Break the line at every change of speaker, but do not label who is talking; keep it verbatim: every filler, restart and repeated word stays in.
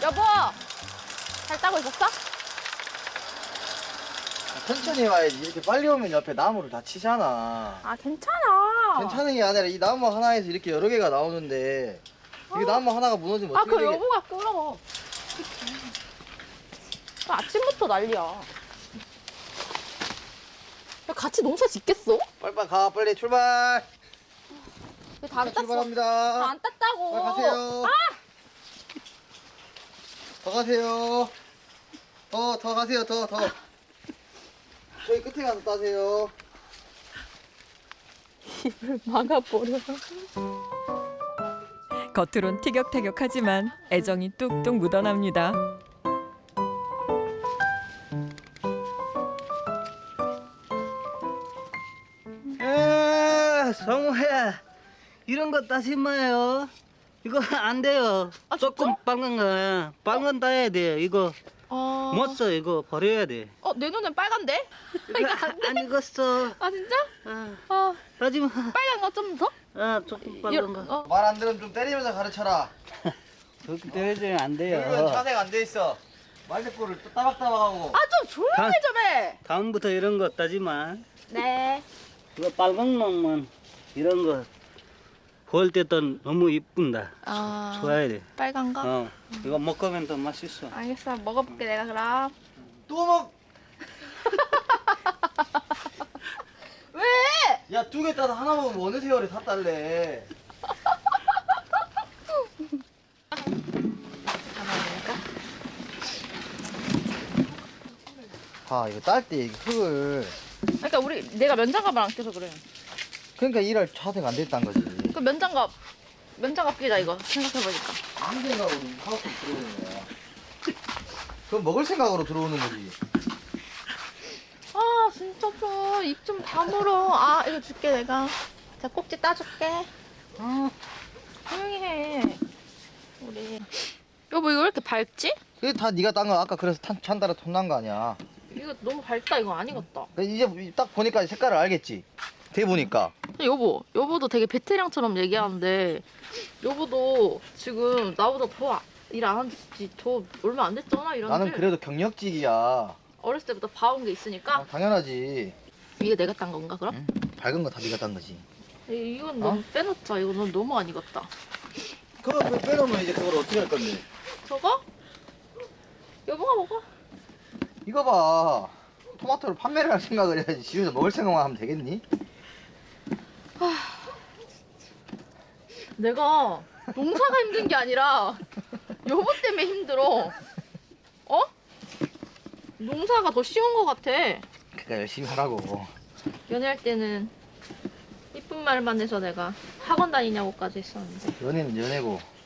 여보! 잘 따고 있었어?
천천히 와야지. 이렇게 빨리 오면 옆에 나무를 다 치잖아.
아, 괜찮아.
괜찮은 게 아니라 이 나무 하나에서 이렇게 여러 개가 나오는데 이게 나무 하나가 무너지면
아,
어떻게
그
되겠...
여보가 끌어. 그 아침부터 난리야. 야, 같이 농사 짓겠어?
빨리빨리 가. 빨리 출발.
다 안 땄어.
출발합니다.
다 안 땄다고.
빨리 가세요.
아!
더 가세요. 더, 더 가세요. 더, 더. 저희 끝에 가서 따세요.
입을 막아버려.
겉으론 티격태격하지만 애정이 뚝뚝 묻어납니다.
에 성우야 이런 거 따지 마요. 이거 안 돼요.
아,
조금
진짜?
빨간 거 빨간 따야 돼. 이거
어...
못 써. 이거 버려야 돼.
어, 내 눈엔 빨간데?
이거 안 익었어.
아, 진짜?
아,
아,
따지 마.
빨간 거 좀 더?
아, 조금 빨간 거.
어.
말 안 들으면 좀 때리면서 가르쳐라.
그렇게 때려주면 안
여기는
돼요.
차색 안 돼 있어. 말대꾸를 또 따박따박하고.
아, 좀 조용히 좀 해.
다음부터 이런 거 따지 마.
네.
이거 빨간 놈만 이런 거 볼 때도 너무 이쁜다.
아,
좋아야 돼.
빨간 거?
어, 이거 먹으면 더 맛있어.
알겠어. 먹어볼게, 내가 그럼.
또 먹.
왜?
야, 두 개 따서 하나 먹으면 어느 세월에 다 딸래. 아, 이거 딸 때 흙을.
그러니까 우리 내가 면장갑을 안 껴서 그래.
그러니까 일할 차색 안 돼 있다는 거지.
그 면장갑 면장갑 끼자 이거 생각해보니까.
무슨 생각으로 하우스 들어오는 거야? 그건 먹을 생각으로 들어오는 거지.
아 진짜 좀 입 좀 다물어. 아 이거 줄게 내가. 자 꼭지 따줄게. 아 조용히 해. 우리 여보 이거 왜 이렇게 밝지?
그게 다 네가 딴 거. 아까 그래서 탄, 찬다라 톤난 거 아니야.
이거 너무 밝다. 이거 아니겠다.
이제 딱 보니까 색깔을 알겠지. 대 보니까.
여보 여보도 되게 베테랑처럼 얘기하는데 여보도 지금 나보다 더 일 안 한 지 더 얼마 안 됐잖아 이런
나는
줄.
그래도 경력직이야.
어렸을 때부터 봐온 게 있으니까.
어, 당연하지.
이게 내가 딴 건가 그럼?
응? 밝은 거 다 네가 딴 거지.
이- 이건 너무 빼놓자. 이건 너무 안 익었다.
그럼 그 빼놓으면 이제 그걸 어떻게 할 건데?
저거? 여보가 먹어.
이거 봐. 토마토를 판매를 할 생각을 해야지. 지우서 먹을 생각만 하면 되겠니?
내가 농사가 힘든 게 아니라 여보 때문에 힘들어. 어? 농사가 더 쉬운 것 같아.
그러니까 열심히 하라고.
연애할 때는 이쁜 말만 해서 내가 학원 다니냐고까지 했었는데
연애는 연애고